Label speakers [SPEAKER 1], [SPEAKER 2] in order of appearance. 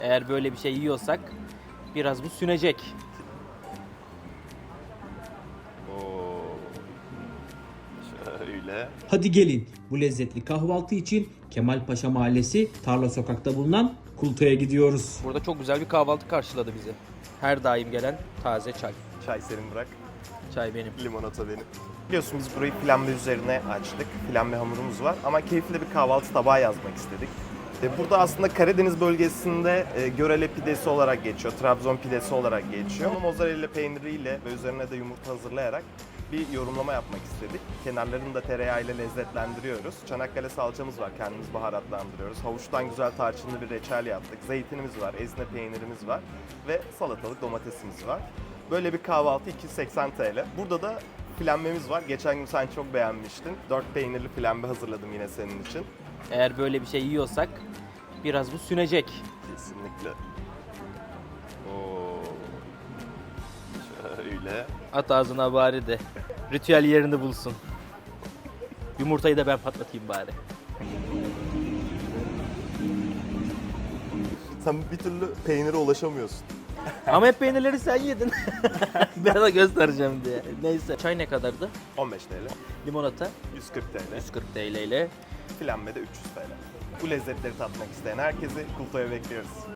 [SPEAKER 1] Eğer böyle bir şey yiyorsak biraz bu sünecek.
[SPEAKER 2] Oo. Şöyle.
[SPEAKER 3] Hadi gelin bu lezzetli kahvaltı için Kemalpaşa Mahallesi Tarla Sokak'ta bulunan Kulto'ya gidiyoruz.
[SPEAKER 1] Burada çok güzel bir kahvaltı karşıladı bizi. Her daim gelen taze çay.
[SPEAKER 2] Çay senin bırak.
[SPEAKER 1] Çay benim.
[SPEAKER 2] Limonata benim. Biliyorsun biz burayı flambe üzerine açtık. Flambe hamurumuz var ama keyifli bir kahvaltı tabağı yazmak istedik. Burada aslında Karadeniz bölgesinde Görele pidesi olarak geçiyor, Trabzon pidesi olarak geçiyor. Onu mozzarella peyniriyle ve üzerine de yumurta hazırlayarak bir yorumlama yapmak istedik. Kenarlarını da tereyağıyla lezzetlendiriyoruz. Çanakkale salçamız var, kendimiz baharatlandırıyoruz. Havuçtan güzel tarçınlı bir reçel yaptık. Zeytinimiz var, ezine peynirimiz var ve salatalık domatesimiz var. Böyle bir kahvaltı 280 TL. Burada da flambemiz var. Geçen gün sen çok beğenmiştin. 4 peynirli flambe hazırladım yine senin için.
[SPEAKER 1] Eğer böyle bir şey yiyorsak biraz bu sünecek.
[SPEAKER 2] Kesinlikle. Oo. Şöyle.
[SPEAKER 1] At ağzına bari de ritüel yerini bulsun. Yumurtayı da ben patlatayım bari.
[SPEAKER 2] Sen bir türlü peynire ulaşamıyorsun.
[SPEAKER 1] Ama hep peynirleri sen yedin. Ben de göstereceğim diye. Neyse. Çay ne kadardı?
[SPEAKER 2] 15 TL,
[SPEAKER 1] Limonata
[SPEAKER 2] 140 TL,
[SPEAKER 1] 140 TL ile.
[SPEAKER 2] flambe de 300 TL. Bu lezzetleri tatmak isteyen herkesi Kulto'ya bekliyoruz.